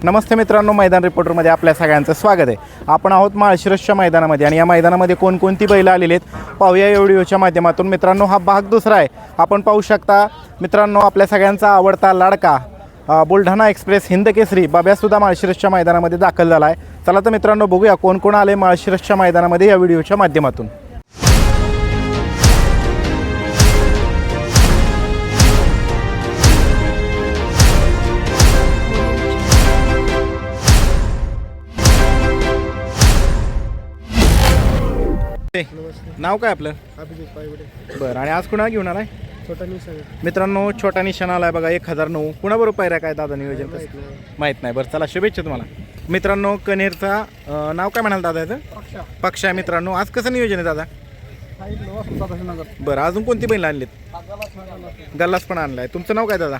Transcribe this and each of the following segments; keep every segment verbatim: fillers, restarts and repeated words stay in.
नमस्ते मित्रांनो, मैदान रिपोर्टरमध्ये आपल्या सगळ्यांचं स्वागत आहे. आपण आहोत माळशिरसच्या मैदानामध्ये आणि या मैदानामध्ये कोणकोणती बैलं आलेली आहेत पाहूया या व्हिडिओच्या माध्यमातून. मित्रांनो, हा भाग दुसरा आहे. आपण पाहू शकता मित्रांनो, आपल्या सगळ्यांचा आवडता लाडका बुलढाणा एक्सप्रेस हिंदकेसरी बाब्यासुद्धा माळशिरसच्या मैदानामध्ये दाखल झाला आहे. चला तर मित्रांनो, बघूया कोण कोण आले माळशिरसच्या मैदानामध्ये या व्हिडिओच्या माध्यमातून. नाव काय आपलं? अभिजित पायगुडे. बरं, आणि आज कुणा घेऊन आलाय? छोटा निशाण. मित्रांनो, छोटा निशाण आलाय बघा, एक हजार नऊ. कुणाबरोबर पायऱ्या काय दादा नियोजन कसं माहीत नाही. बरं चला, शुभेच्छा तुम्हाला. मित्रांनो, कनेरचा अं, नाव काय म्हणाल दादा याचं? पक्षा. पक्ष आहे. मित्रांनो, आज कसं नियोजन आहे दादा? बरं, अजून कोणती बैल आणलीत? गल्लास पण आणलाय. तुमचं नाव काय दादा?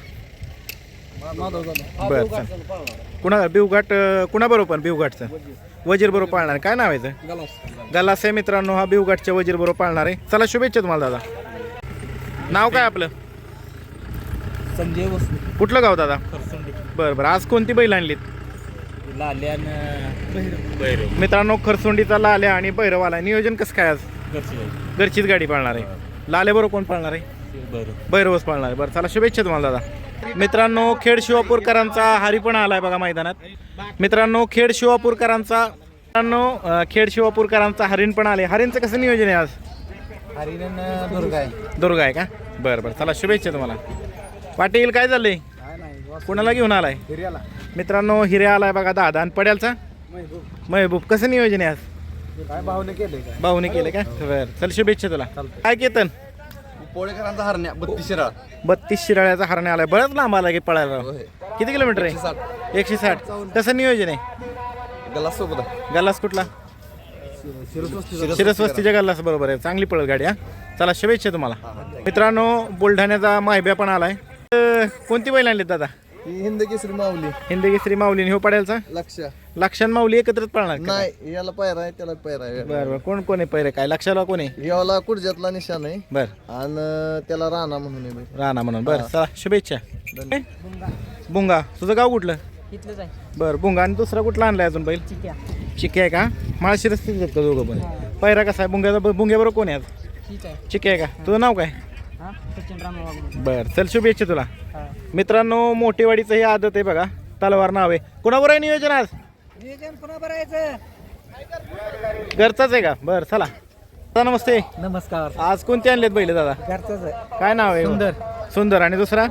बरं चल. कुणा बिवघाट कुणाबरोबर? बिवघाटचं वजीर बरोबर पाळणार आहे. काय नाव आहे याचं? गल्लास आहे. मित्रांनो, हा बिवघाटच्या वजीर बरोबर पाळणार आहे. चला, शुभेच्छा तुम्हाला दादा. नाव काय आपलं? संजय वस्तू. कुठलं गाव दादा? बरं बरं, आज कोणती बैल आणलीत? लाल्यान मित्रांनो, खरसोंडीचा लाल्या आणि भैरवाला. नियोजन कसं काय आज? घरचीच गाडी पाळणार आहे. लाल्या बरोबर कोण पाळणार आहे? भैरवच पाळणार आहे. बरं चला, शुभेच्छा तुम्हाला दादा. मित्रांनो, खेड शिवापूरकरांचा हरी पण आलाय बघा मैदानात. मित्रांनो, खेड शिवापूरकरांचा मित्रांनो खेड शिवापूरकरांचा हरिण पण आले. हरिणचं कसं नियोजन आहे आज? हरिण दुर्गा आहे. दुर्गा आहे का? बरं बरं, चला शुभेच्छा तुम्हाला. पाटील, काय झालंय? कुणाला घेऊन आलाय? हिर्याला. मित्रांनो, हिर्या आलाय बघा दादा. आणि पड्यालचा महबूब. कसं नियोजन आहे आज? काय भावने केले काय? भाऊने केलं का? बरं चल, शुभेच्छा तुला. काय केतन? पोळेकरांचा हरण्या बत्तीस शिराळ. बत्तीस शिराळ्याचा हरणे आलाय. बरंच लांब आला की पळायला. किती किलोमीटर आहे? एकशे साठ. कसं नियोजन आहे? गलास सोबत. गल्लास कुठला? शिरसवस्तीच्या गल्लास बरोबर आहे. चांगली पळत गाडी. हा चला, शुभेच्छा तुम्हाला. मित्रांनो, बुलढाण्याचा माहिब्या पण आलाय. अं, कोणती बैल आणली दादा? हिंद केसरी माऊली. हिंदकेसरी माऊली. हो पडेलचा लक्ष लक्षण माऊली एकत्रच पळणार का? नाही, याला पायरा आहे त्याला पायरा आहे. बरं बरं, कोण कोण आहे पहिरे? काय लक्षाला कोण आहे? याला कुडजातला निशाण आहे बरं, आणि त्याला राणा म्हणून आहे. राणा म्हणून. बरं चला, शुभेच्छा. बुंगा. तुझं गाव कुठलं? इथलंच आहे. बरं, बुंगा. आणि दुसरा कुठला आणलाय अजून बैल? चिक्या. चिके आहे का? माळशिरस आहेत का दोघं पण? पहिरा कसा आहे बुंग्याचा? बुंग्याबरोबर कोण आहे आज? ठीक आहे. चिके आहे का? तुझं नाव काय? हा, सचिन रामवागडे. बरं चल, शुभेच्छा तुला. हा. मित्रांनो, मोठेवाडीचं ही आदत आहे बघा. तलवार नाव आहे. कोणावर आहे नियोजन आज? नियोजन कोणा भरायचं? घरचाच आहे का? बरं चला. दादा नमस्ते. नमस्कार. आज कोणते आणलेत बैल दादा? घरचाच आहे. काय नाव आहे? सुंदर. सुंदर. आणि दुसरा?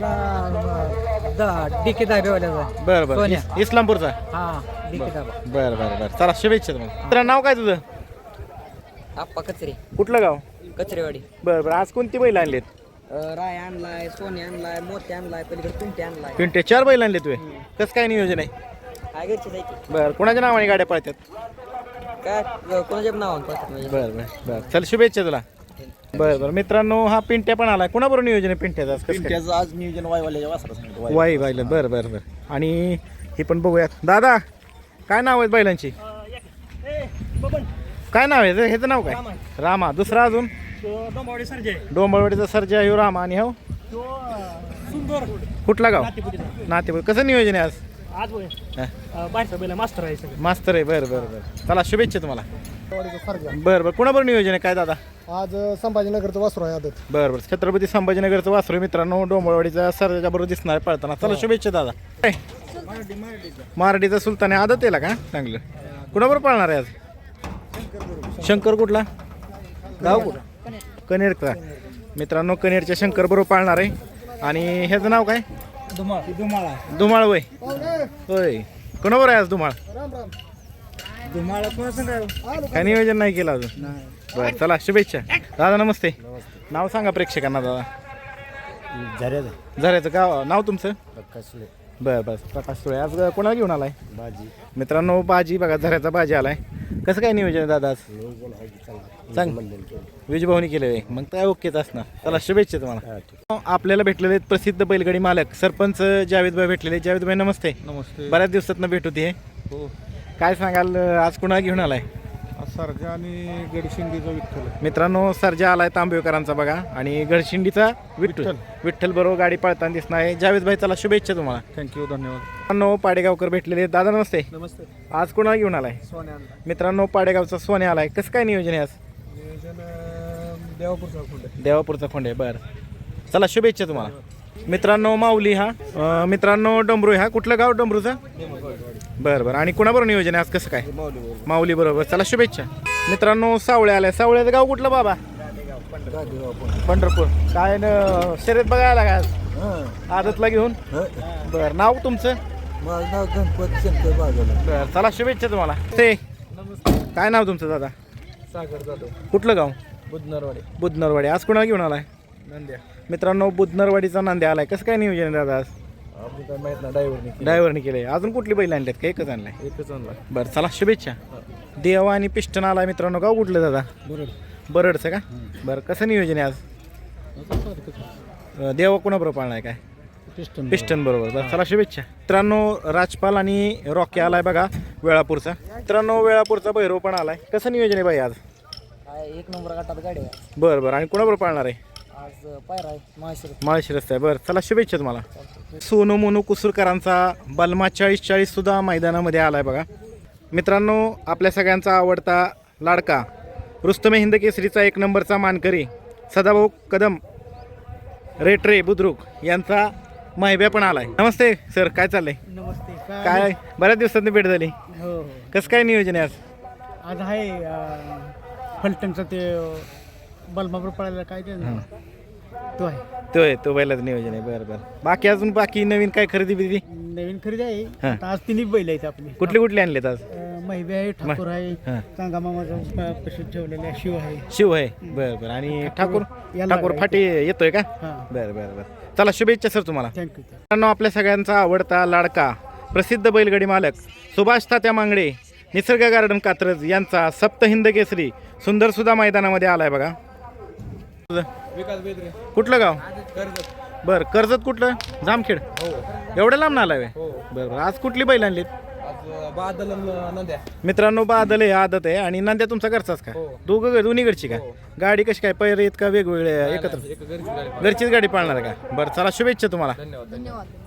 दुसरा डी के दाबेवाल्याचा. बरं बरं, सोन्या. इस- इस्लामपूरचा. हा, डी के दाबा. बरं बरं बरं, चला शुभेच्छा तुम्हाला. तुझं नाव काय तुझं? आप्पा कचरे. कुठलं गाव? कचरेवाडी. बरं बरं, आज कोणती बैल आणलेत? राय आणलाय, सोने आणलाय, मोती आणलाय, पलीकडे पिंटे आणलाय. पिंटे चार बैल आणले तुझे. कसं काय नियोजन आहे? काय घरचे जायचे? बरं, कोणाच्या नावाने गाड्या पळतात? काय कोणाच्या नाव म्हणजे? बरं बरं बरं, चल शुभेच्छा तुला. बरं बरं, मित्रांनो, हा पिंट्या पण आलाय. कोणाबरोबर नियोजन आहे पिंट्याचं आज? कसं काय? पिंट्याचं आज नियोजन वायवाल्याच्या वासरा सांगितलं. वाई बैल. बरं बरं बरं. आणि हे पण बघूयात. दादा, काय नाव आहेत बैलांची? काय नाव आहे ह्याचं? नाव काय? रामा. दुसरा अजून? डोंबावडी सरजे. डोंबळवाडीचा सर्जा ह्यो रामा. आणि हो सुंदर. कुठला गाव? नातेपूर. कसं नियोजन आहे आज? आज हा, बाहेरचा बैल मास्टर आहे सगळं. मास्तर आहे. बरं बरं बरं, चला शुभेच्छा तुम्हाला. सरजा. बरं बरं, कुणाबरोबर नियोजन आहे काय दादा? आज संभाजीनगरचं वासरू आहे आदत. बरं बरं, छत्रपती संभाजीनगरचं वासरू मित्रांनो. डोंबळवाडीचा सर्जा बरोबर दिसणार आहे पळताना. चला शुभेच्छा दादा. काय? मारडीचा सुलतान आहे. आदत येला का? चांगलं. कुणाबरोबर पळणार आहे आज? शंकर. कुठला गाव? कुठं? कनेरचा. मित्रांनो, कनेरच्या शंकर बरोबर पाळणार आहे. आणि ह्याचं नाव काय? धुमाळ. धुमाळा. धुमाळ. वय होय. कोणाबरोबर आहे आज धुमाळ? धुमाळा कोणा सांगायला? काय नियोजन नाही केलं अजून? बरं चला, शुभेच्छा दादा. नमस्ते. नाव सांगा प्रेक्षकांना दादा. झऱ्याचं. झऱ्याचं गाव. नाव तुमचं? प्रकाश सुळे. बरं बस, प्रकाश सुळे. आज कोणाला घेऊन आलाय? बाजी. मित्रांनो, बाजी बघा, झऱ्याचा बाजी आलाय. कसं काय नियोजन आहे दादा आज? सांग. विजभावनी केले मग काय ओकेच असणार. चला शुभेच्छा तुम्हाला. आपल्याला भेटलेले आहेत प्रसिद्ध बैलगाडी मालक सरपंच जावेदभाई भेटलेले. जावेदभाई नमस्ते. नमस्ते. बऱ्याच दिवसात भेट होती. हो. काय सांगाल आज कुणाला घेऊन आलाय? आज सरजा आणि गडशिंगीचा विठ्ठल मित्रांनो सर्जा आलाय तांबेकरांचा बघा आणि गडशिंडीचा विठ्ठल विठ्ठल. विठ्ठल बरोबर गाडी पळताना दिसणार आहे. जावेद भाई चला शुभेच्छा तुम्हाला. थँक्यू धन्यवाद. मित्रांनो पाडेगावकर भेटलेले आहेत. दादा नमस्ते. नमस्ते. आज कोणाला घेऊन आलाय? सोन्या आणला मित्रांनो पाडेगावचा सोन्या आलाय. कसं काय नियोजन आहे आज? नियोजन देवापूरचा खोंड. देवापूरचा खोंडे बरं चला शुभेच्छा तुम्हाला. मित्रांनो माऊली हा अं, मित्रांनो डमरू हा कुठलं गाव डमरूचा? बरं बरं आणि कुणाबरोबर नियोजन आहे आज कसं काय? माऊली बरोबर चला शुभेच्छा. मित्रांनो सावळे आलाय. सावळ्याचं गाव कुठलं बाबा? पंढरपूर. काय न शर्यत बघायला का आज आदतला घेऊन? बरं नाव तुमचं? माझं नाव गणपत शंकर बागल. बरं चला शुभेच्छा तुम्हाला. ते काय नाव तुमचं दादा? सागर जाधव. कुठलं गाव? बुधनरवाडी. बुधनरवाडी. आज कुणाला घेऊन आलाय? नंद्या. मित्रांनो बुधनरवाडीचा नांद्या आलाय. कसं काय नियोजन आहे दादा आज? आपण काय माहित ना ड्रायव्हरने ड्रायव्हरने केले. अजून कुठली बैल आणल्यात का एकच आणलाय? एकच आणला. बरं चला शुभेच्छा. देवा आणि पिस्टन आलाय मित्रांनो. गाव कुठलं दादा? बरोबर. बरडचं का? बरं कसं नियोजन आहे आज? अं, देवा कोणाबरोबर पाळणार आहे काय? पिस्टन. पिस्टन बरोबर. बरं चला शुभेच्छा. मित्रांनो राजपाल आणि रॉकी आलाय बघा वेळापूरचा. मित्रांनो वेळापूरचा भैरव पण आलाय. कसं नियोजन आहे बाई आज? एक नंबर गटात गाडी आहे बरं बरं आणि कोणाबरोबर पाळणार आहे? आज पायरा आहे माहेश्वर. माळशी रस्ता आहे. बरं चला शुभेच्छा तुम्हाला. सोनू मोनू कुसुरकरांचा बलमा चाळीस चाळीस सुद्धा मैदानामध्ये आलाय बघा. मित्रांनो आपल्या सगळ्यांचा आवडता लाडका रुस्तमे हिंद केसरीचा एक नंबरचा मानकरी सदाभाऊ कदम रेटरे बुद्रुक यांचा माहिब्या पण आलाय. नमस्ते सर काय चाललंय? नमस्ते. काय बऱ्याच दिवसांनी भेट झाली. हो हो कसं काय नियोजन आहे आज? आज आहे फलटणचं ते बलमापूर पळायला काय ते तो आहे तो आहे तो बैलाचं नियोजन आहे. बरं बरं बाकी अजून बाकी नवीन काय खरेदी बिदी? नवीन खरेदी आहे. हां. आता आज तिन्ही बैल आहेत आपली. कुठले कुठले आणलेत आज? महिबी आहे ठाकूर आहे हां. चांगा मामाचा प्रसिद्ध ठेवलेला आहे शिव आहे. शिव आहे. बरं बरं आणि ठाकूर याला ठाकूर आहे. फाटी येतोय का? हां बरं बरं बरं चला शुभेच्छा सर तुम्हाला. थँक्यू. मित्रांनो आपल्या सगळ्यांचा आवडता लाडका प्रसिद्ध बैलगाडी मालक सुभाष तात्या मांगडे निसर्ग गार्डन कात्रज यांचा सप्त हिंद केसरी सुंदर सुद्धा मैदानामध्ये आलाय बघा. विकास बेदरे. कुठलं गाव? कर्जत. बरं कर्जत कुठलं? जामखेड. हो एवढं लांब आलाय व्हय? हो. बरं बरं आज कुठली बैल आणलीत? आज बादल नंद्या. मित्रांनो बादल आहे आदत आहे आणि नंद्या तुमचा घरचाच का? हो. दोघं दोन्हीकडची का? हो. गाडी कशी काय पैर येत का वेगवेगळे एकत्र? एक घरची गाडी. घरचीच गाडी पाळणार आहे का? बरं चला शुभेच्छा तुम्हाला. धन्यवाद. धन्यवाद.